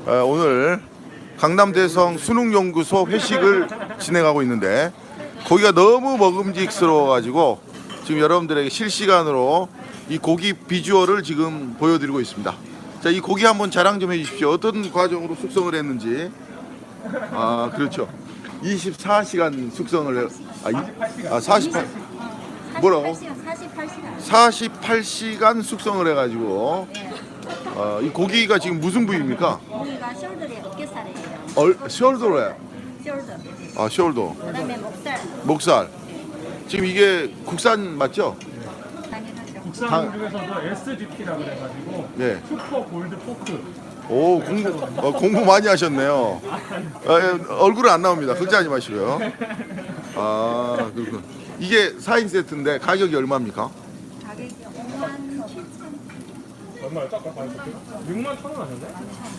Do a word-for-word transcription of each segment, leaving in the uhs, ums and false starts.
어, 오늘 강남대성 수능연구소 회식을 진행하고 있는데 고기가 너무 먹음직스러워가지고 지금 여러분들에게 실시간으로 이 고기 비주얼을 지금 보여드리고 있습니다. 자, 이 고기 한번 자랑 좀 해주십시오. 어떤 과정으로 숙성을 했는지. 아, 그렇죠. 이십사 시간 숙성을 해. 아, 이, 아 사십팔. 뭐라고? 사십팔 시간. 사십팔 시간 숙성을 해가지고. 어, 이 고기가 지금 무슨 부위입니까? 고기가 숄더에 어깨살이에요. 얼, 숄더래. 숄더. 아, 숄더. 그다음에 목살. 목살. 지금 이게 국산 맞죠? 당연하죠. 국산 중에서도 에스지피라고 그래가지고 네. 슈퍼 골드 포크. 오, 공부 어, 공부 많이 하셨네요. 아, 예, 얼굴은 안 나옵니다. 걱정하지 마시고요. 아, 그렇군. 이게 사 인 세트인데 가격이 얼마입니까? 가격이 오만 칠천. 얼마였죠? 아까 가격이? 육만 천 원 하셨네?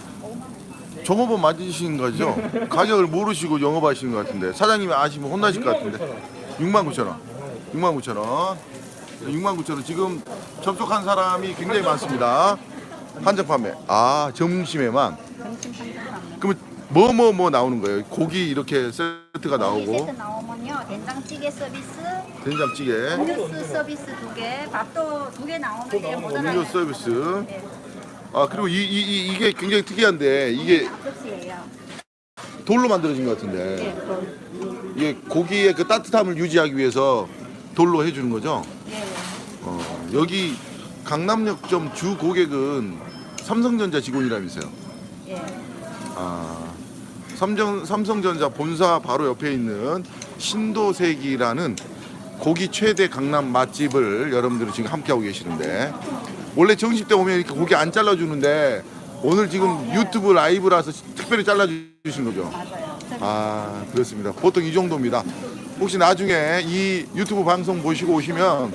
종업원 맞으신 거죠? 가격을 모르시고 영업하시는 것 같은데 사장님이 아시면 혼나실 것 같은데. 육만 구천 원. 육만 구천 원. 육만 구천 원. 지금 접속한 사람이 굉장히 많습니다. 한정 판매. 아, 점심에만. 점심 판정 판매. 그러면 뭐 뭐 뭐 나오는 거예요? 고기 이렇게 세트가 고기 나오고 세트 나오면요, 된장찌개 서비스, 된장찌개, 음료수 서비스 두 개, 밥도 두 개 나오는데 못 알아요. 음료 서비스. 네, 아, 그리고 이, 이, 이, 이게 굉장히 특이한데 이게 접시예요. 돌로 만들어진 것 같은데 네, 그, 이게 고기의 그 따뜻함을 유지하기 위해서 돌로 해주는 거죠? 예, 어, 여기 강남역점 주 고객은 삼성전자 직원이라면서요? 예. 아, 삼정, 삼성전자 본사 바로 옆에 있는 신도색이라는 고기 최대 강남 맛집을 여러분들이 지금 함께하고 계시는데 원래 정식 때 오면 이렇게 고기 안 잘라주는데 오늘 지금 유튜브 라이브라서 특별히 잘라주신 거죠? 맞아요. 아, 그렇습니다. 보통 이 정도입니다. 혹시 나중에 이 유튜브 방송 보시고 오시면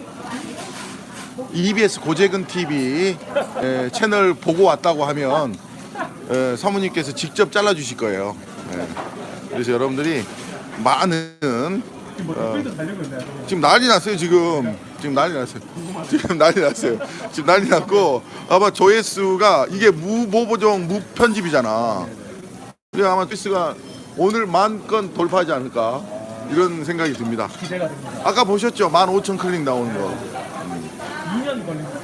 이비에스 고재근 티비 에, 채널 보고 왔다고 하면 에, 사모님께서 직접 잘라주실 거예요. 예. 그래서 여러분들이 많은 지금 뭐 댓글도 달리고 있나요? 지금 난리 났어요. 지금 지금 난리 났어요. 지금 난리 났어요. 지금 난리 났고 아마 조회수가 이게 무보보정 무편집이잖아. 그래 아마 조회수가 오늘 만 건 돌파하지 않을까 이런 생각이 듭니다. 기대가 됩니다. 아까 보셨죠? 만 오천 클릭 나오는 거. 이 년 걸립니다.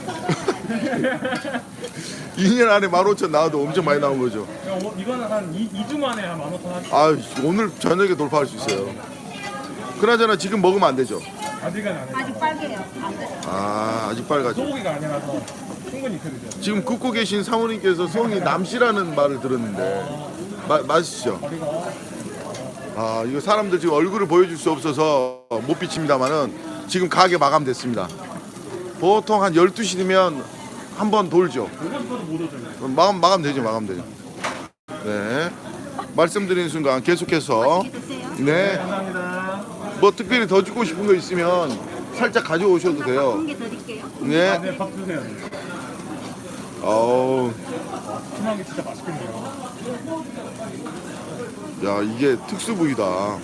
이 년 안에 만 오천 나와도 엄청 많이 나온 거죠. 어, 이거는 한 이 주 만에 한 만 오천 한. 아, 오늘 저녁에 돌파할 수 있어요. 그나저나 지금 먹으면 안 되죠? 아직은 안 해요. 아직 빨개요. 안 돼요. 아, 아직 빨갛죠. 소고기가 아니라서 충분히 익혀주죠. 지금 굽고 계신 사모님께서 성이 남씨라는 말을 들었는데 마, 맞으시죠? 아, 이거 사람들 지금 얼굴을 보여줄 수 없어서 못 비칩니다만은 지금 가게 마감됐습니다. 보통 한 열두 시면 한 번 돌죠. 보고 싶어도 못 오죠. 마감, 마감되죠, 마감되죠. 네. 말씀드리는 순간 계속해서 맛있게 드세요. 네. 감사합니다. 뭐 특별히 더 주고 싶은 거 있으면 살짝 가져오셔도 돼요. 한개 드릴게요. 네. 네, 밥 주세요. 어우, 순한 게 진짜 맛있겠네요. 야, 이게 특수 부위다.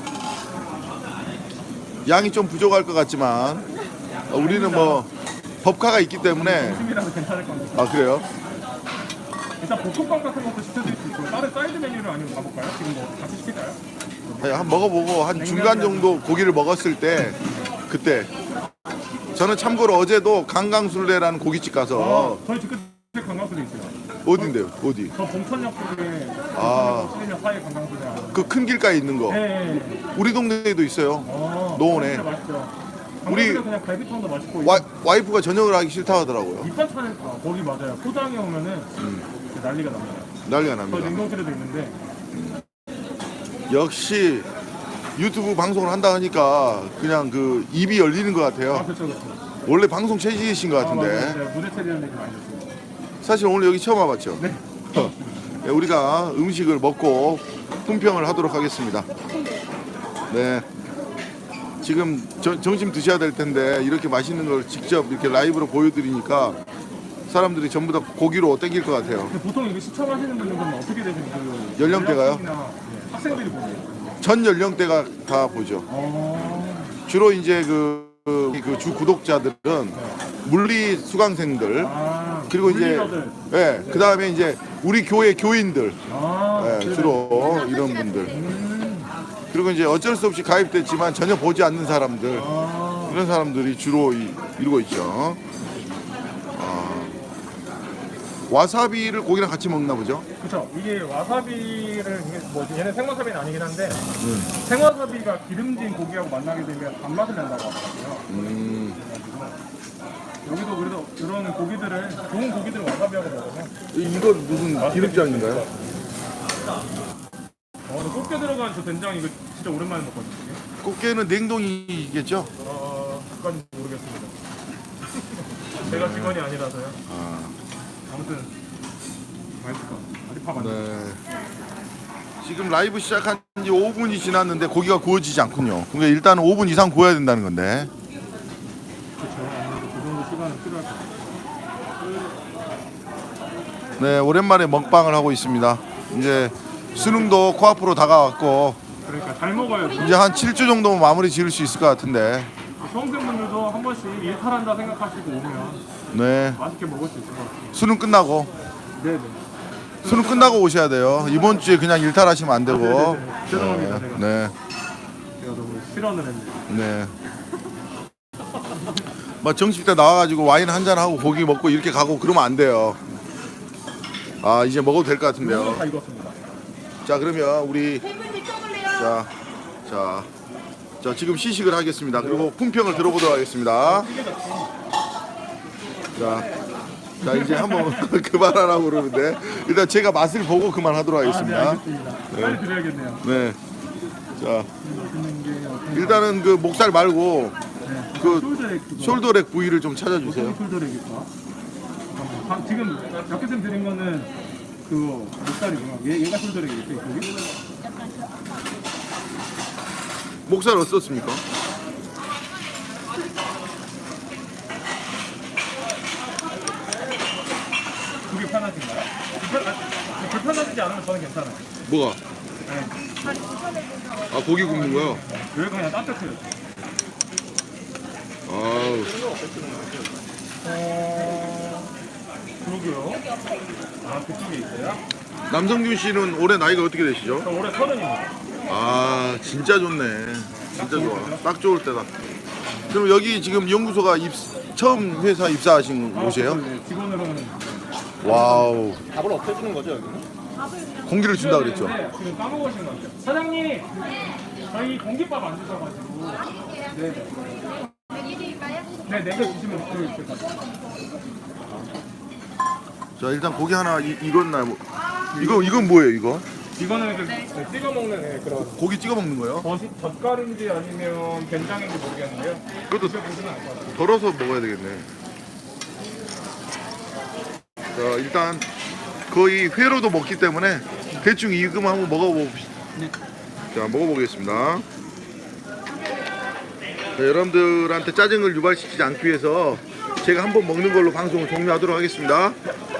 양이 좀 부족할 것 같지만 어, 우리는 뭐 법카가 있기 때문에. 점심이라도 괜찮을 겁니다. 아, 그래요? 일단 볶음밥 같은 것도 시켜드릴 수 있고 다른 사이드 메뉴를 아니면 가볼까요? 지금 뭐 같이 시킬까요? 아니, 한 먹어보고 한 중간 정도 고기를 먹었을 때 그때 저는 참고로 어제도 강강술래라는 고깃집 가서 어, 저희 집 끝에 관광소도 있어요. 어딘데요? 어디? 저 봉천역 쪽에 아. 시내역 사이 관광소에 그 큰 길가에 있는 거. 네. 우리 동네에도 있어요. 어, 노원에. 진짜 맛있죠. 우리- 우리 그냥 갈비탕도 맛있고 와, 와이프가 저녁을 하기 싫다 하더라고요. 밑반찬은 아, 거기 맞아요. 포장해 오면은 음. 난리가 납니다. 난리가 저 납니다. 냉동실에도 있는데 역시 유튜브 방송을 한다 하니까 그냥 그 입이 열리는 것 아 같아요. 그렇죠 그렇죠. 원래 방송 체질이신 것 아 맞아요. 같은데 제가 무대 체리하는 얘기 많이 했어요. 사실 오늘 여기 처음 와봤죠. 네. 네, 우리가 음식을 먹고 품평을 하도록 하겠습니다. 네. 지금 저, 점심 드셔야 될 텐데 이렇게 맛있는 걸 직접 이렇게 라이브로 보여드리니까 사람들이 전부 다 고기로 땡길 것 같아요. 근데 보통 이거 시청하시는 분들은 어떻게 되세요? 그 연령대가요? 연령층이나, 네, 학생들이 보세요. 전 연령대가 다 보죠. 어... 주로 이제 그 그 주 구독자들은 물리 수강생들 아 그리고 이제 물리가들. 예, 그 다음에 이제 우리 교회 교인들 아, 예, 네네. 주로 이런 분들. 그리고 이제 어쩔 수 없이 가입됐지만 전혀 보지 않는 사람들 아, 이런 사람들이 주로 이, 이루고 있죠. 아, 와사비를 고기랑 같이 먹나 보죠? 그쵸. 이게 와사비를 이게 뭐 얘는 생와사비는 아니긴 한데 생와사비가 기름진 고기하고 만나게 되면 단맛을 낸다고 하더라고요. 음, 여기도 그래도 이런 고기들을 좋은 고기들을 와사비하고 먹으면 이건 무슨 기름장인가요? 어, 근데 꽃게 들어간 저 된장 이거 진짜 오랜만에 먹거든요. 꽃게는 냉동이겠죠? 어, 그건 모르겠습니다. 제가 직원이 아니라서요. 아, 아무튼 맛있을 것 같아요. 아직 밥안 네. 네. 지금 라이브 시작한 지 오 분이 지났는데 고기가 구워지지 않군요. 그러니까 일단은 오 분 이상 구워야 된다는 건데. 그렇죠. 아무래도 그 정도 시간은 필요할 것 같아요. 네, 오랜만에 먹방을 하고 있습니다. 이제 수능도 코앞으로 다가왔고 그러니까 잘 먹어야지. 이제 한 칠 주 정도면 마무리 지을 수 있을 것 같은데. 수험생분들도 한 번씩 일탈한다 생각하시고 오면 네, 맛있게 먹을 수 있을 것 같아요. 수능 끝나고 네네. 수능 끝나고 오셔야 돼요. 이번 주에 그냥 일탈하시면 안 되고. 아, 네네네. 죄송합니다. 제가. 네, 제가 너무 실언을 했네요. 네. 막 정식 때 나와가지고 와인 한 잔 하고 고기 먹고 이렇게 가고 그러면 안 돼요. 아, 이제 먹어도 될 것 같은데요. 이거 다 익었습니다. 자, 그러면 우리 자, 자, 자 지금 시식을 하겠습니다. 그리고 품평을 들어보도록 하겠습니다. 자, 자 이제 한번 그만하라고 그러는데 일단 제가 맛을 보고 그만하도록 아, 네, 하겠습니다. 알겠습니다. 빨리 드려야겠네요. 네. 자, 듣는 게 어떤 일단은 그 목살 말고 네. 그 숄더렉 그거. 숄더렉 부위를 좀 찾아주세요. 어떤 숄더렉일까? 잠깐만. 아, 지금 옆에서 드린 거는 그거 목살이구나. 얘, 얘가 숄더렉이겠지, 거기? 목살 어떻습니까? 그게 편하신가요? 불편, 아, 불편하지 않으면 저는 괜찮아요. 뭐가? 네. 아, 고기 굽는 거요? 여기가 그냥 따뜻해요. 아우, 어... 그러게요. 아, 그쪽에 있어요? 남성균 씨는 올해 나이가 어떻게 되시죠? 저 올해 서른입니다. 아, 진짜 좋네. 진짜 좋아. 딱 좋을 때다. 그럼 여기 지금 연구소가 입, 처음 회사 입사하신 곳이에요? 네, 직원으로는 와우. 밥을 없애주는 거죠, 여기는? 공기를 준다 그랬죠? 네, 지금 까먹으신 것 같아요. 사장님, 저희 공깃밥 안 주셔가지고. 네네. 네, 네 개 주시면 그 있을 것 같아요. 자, 일단 고기 하나 이, 익었나 뭐. 이거 이건 뭐예요, 이거? 이거는 그 네, 찍어 먹는 네, 그런 고기 찍어 먹는 거예요? 버시, 젓갈인지 아니면 된장인지 모르겠는데요. 그것도 드셔보시면 알 것 같아요. 덜어서 먹어야 되겠네. 자, 일단 거의 회로도 먹기 때문에 대충 익으면 한번 먹어봅시다. 네. 자, 먹어보겠습니다. 자, 여러분들한테 짜증을 유발시키지 않기 위해서 제가 한번 먹는 걸로 방송을 종료하도록 하겠습니다.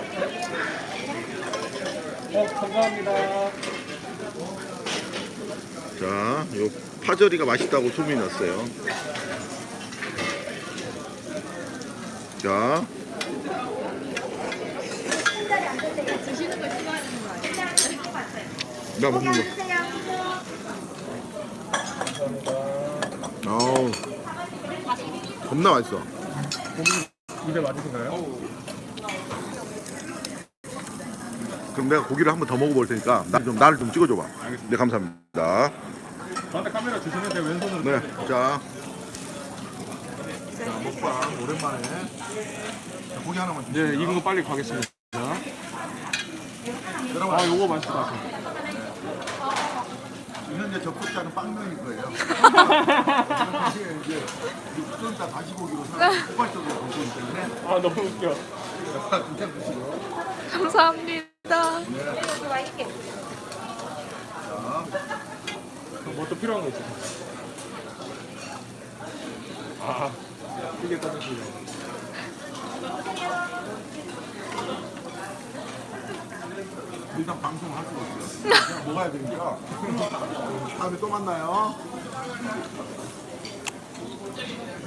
어, 감사합니다. 자, 요 파절이가 맛있다고 소문이 났어요. 자, 드시는 걸 싫어하시는 거 아니에요? 나 먹는 거. 어우, 겁나 맛있어. 입에 맞으신가요? 그럼 내가 고기를 한 번 더 먹어볼 테니까 나 좀 나를 좀 찍어줘봐. 네, 감사합니다. 저한테 카메라 주시면 제가 왼손으로 네, 자, 자 먹방 오랜만에. 자, 고기 하나만 주세요. 네, 익은 거 빨리 가겠습니다. 여러분, 아, 요거 맛있을 것 같아요. 현재 접속자는 빵명일 거예요. 이제 좀 이따 다시 보기로 포괄적으로 보고 있기 때문에 아, 너무 웃겨. 그냥 드시고. 감사합니다. 뭐 또 필요한 거 있어요? 아, 이게 따뜻해요. 일단 방송을 할 수가 없어요. 그냥 먹어야 되니까. 다음에 또 만나요.